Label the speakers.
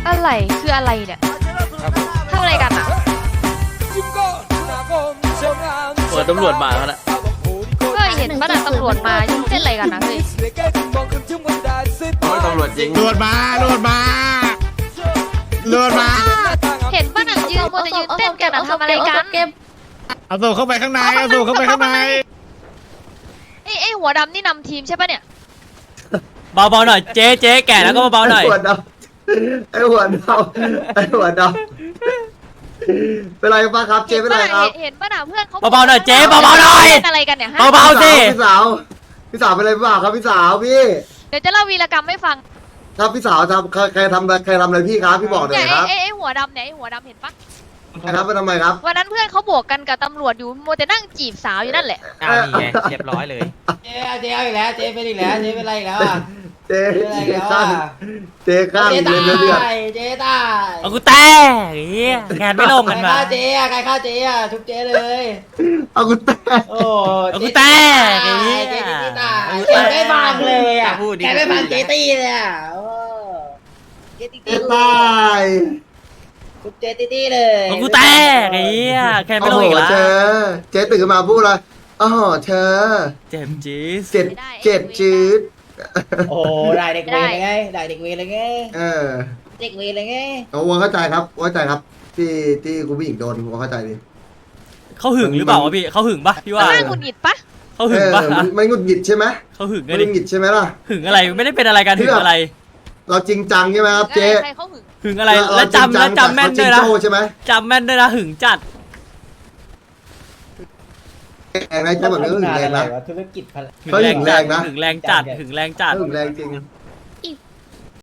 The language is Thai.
Speaker 1: อะไรคืออะไรเนี่ยทำอะไรกันอ่ะ
Speaker 2: เปิดตำรวจมาแล้วนะ
Speaker 1: เฮ้ยเห็นป่ะน่ะตำรวจมายุ่งเต้นอะไรกันนะเฮ้ย
Speaker 2: ตำรวจจริง
Speaker 3: โดดมาโดดมาโดดมา
Speaker 1: เห็นป่ะน่ะยืนมัวแต่ยืนเต้นกันนะทำอะไรกัน
Speaker 3: เอาตัวเข้าไปข้างในเอาตัวเข้าไปข้างใน
Speaker 1: ไอ้หัวดำนี่นำทีมใช่ป่ะเนี่ย
Speaker 2: เบาๆหน่อยเจ๊แก่แล้วก็เบาๆหน่อย
Speaker 4: ไอหัวดำไอหัวดำเป็นไรป้าครับเจ๊เป็นไรครับ
Speaker 1: เห็นป่ะน่ะเพื่อนเขา
Speaker 2: เบาๆหน่อยเจ๊เบาๆหน่อย
Speaker 1: เล่นอะไรกันเนี่ยฮะ
Speaker 2: เบาๆสิ
Speaker 4: พี่สาวเป็นไรเปล่าครับพี่สาวพี่
Speaker 1: เดี๋ยวจะเล่าวีรกรรมให้ฟัง
Speaker 4: ครับพี่สาวทำใครทำอะไรพี่ครับพี่บอกหน่
Speaker 1: เนี่
Speaker 4: อย ยครับ
Speaker 1: ไอ้หัวดำเนี่ยไอ้หัวดำเห็นปะ
Speaker 4: ครับไปทำไมครับ
Speaker 1: วันนั้นเพื่อนเขาบวกกันกับตำรวจอยู่มัวแต่นั่งจีบสาวอยู่นั่นแหละ
Speaker 5: อ้าวนี่ไงเรียบร้อยเลย
Speaker 6: เจ๊เอาอีกแล้วเจ๊เป็นอีกแล้วเจ๊เป็นอะไรอีกแล้วอ่ะ
Speaker 4: เจ๊
Speaker 6: เป็นอะไรอีกแล้ว
Speaker 4: ข้า
Speaker 6: อ่ะ
Speaker 4: งเจ๊ข้าง
Speaker 6: เจ๊
Speaker 4: เดื
Speaker 6: ตา
Speaker 4: อดเดือด
Speaker 6: ยเจ๊ตาย
Speaker 2: เอากูแตกเฮียงานไม่ลง
Speaker 6: ใคร
Speaker 2: กันมา
Speaker 6: ฆ่าเจ๊อ่ะใครฆ่าเจ๊อ่ะทุบเจ๊เลย
Speaker 4: เอากูแตก
Speaker 6: โอ้
Speaker 2: เอากูแตกไอ้เหี้ย
Speaker 6: เจ๊ตีตายเจ๊ไม่ฟังเลยอ่ะ
Speaker 2: พูดดิ
Speaker 6: แกไม่ฟังเจ๊ตีเลยอ่ะโอ้เจ๊ตี
Speaker 4: เจ๊ตาย
Speaker 6: ทุบเจ๊ตีเลย
Speaker 2: เอากูแตกไอ้เฮียแค่ไม่
Speaker 4: โอ้
Speaker 2: ลง
Speaker 4: โห
Speaker 2: อีกแล้ว
Speaker 4: เจ๊ตื่นขึ้นมาพูดเลยอ๋อเธอ
Speaker 2: เจ็บจี๊ด
Speaker 4: เจ็ดจืด
Speaker 6: โอ้ได้เด็กเวรเลยไงได้เด็กเวรเลยไง
Speaker 4: เออ
Speaker 6: เด็กเวรเลยไง
Speaker 4: เอาวัวเข้าใจครับเข้าใจครับที่คุณผู้หญิงโดนวัวเข้าใจดิ
Speaker 2: เขาหึงหรือเปล่าวะพี่เขาหึงปะพี่ว่า
Speaker 1: มันน่าหงุดหงิดปะ
Speaker 2: เขาหึงปะ
Speaker 4: มันหงุดหงิดใช่ไหม
Speaker 2: เขาหึงไง
Speaker 4: มันห
Speaker 2: ดิ
Speaker 4: งุดหงิดใช่ไหมล่ะ
Speaker 2: หึงอะไรไม่ได้เป็นอะไรกันหึงอะไร
Speaker 4: เราจริงจังใช่ไหมครับเจ๊
Speaker 1: ใครเขาหึง
Speaker 2: หึงอะไรแล้วจำแม่นด้วยนะ
Speaker 4: เขาจริงโจ้ใช่ไหม
Speaker 2: จำแม่นด้วยนะหึงจัด
Speaker 4: แรงนะเจ๊แบบนี้ก็หึงแรงนะ
Speaker 6: ธุรกิจพลัง
Speaker 4: เขาหึงแรงนะ
Speaker 2: หึงแรงจัดหึงแรงจัด
Speaker 4: หึงแรงจริง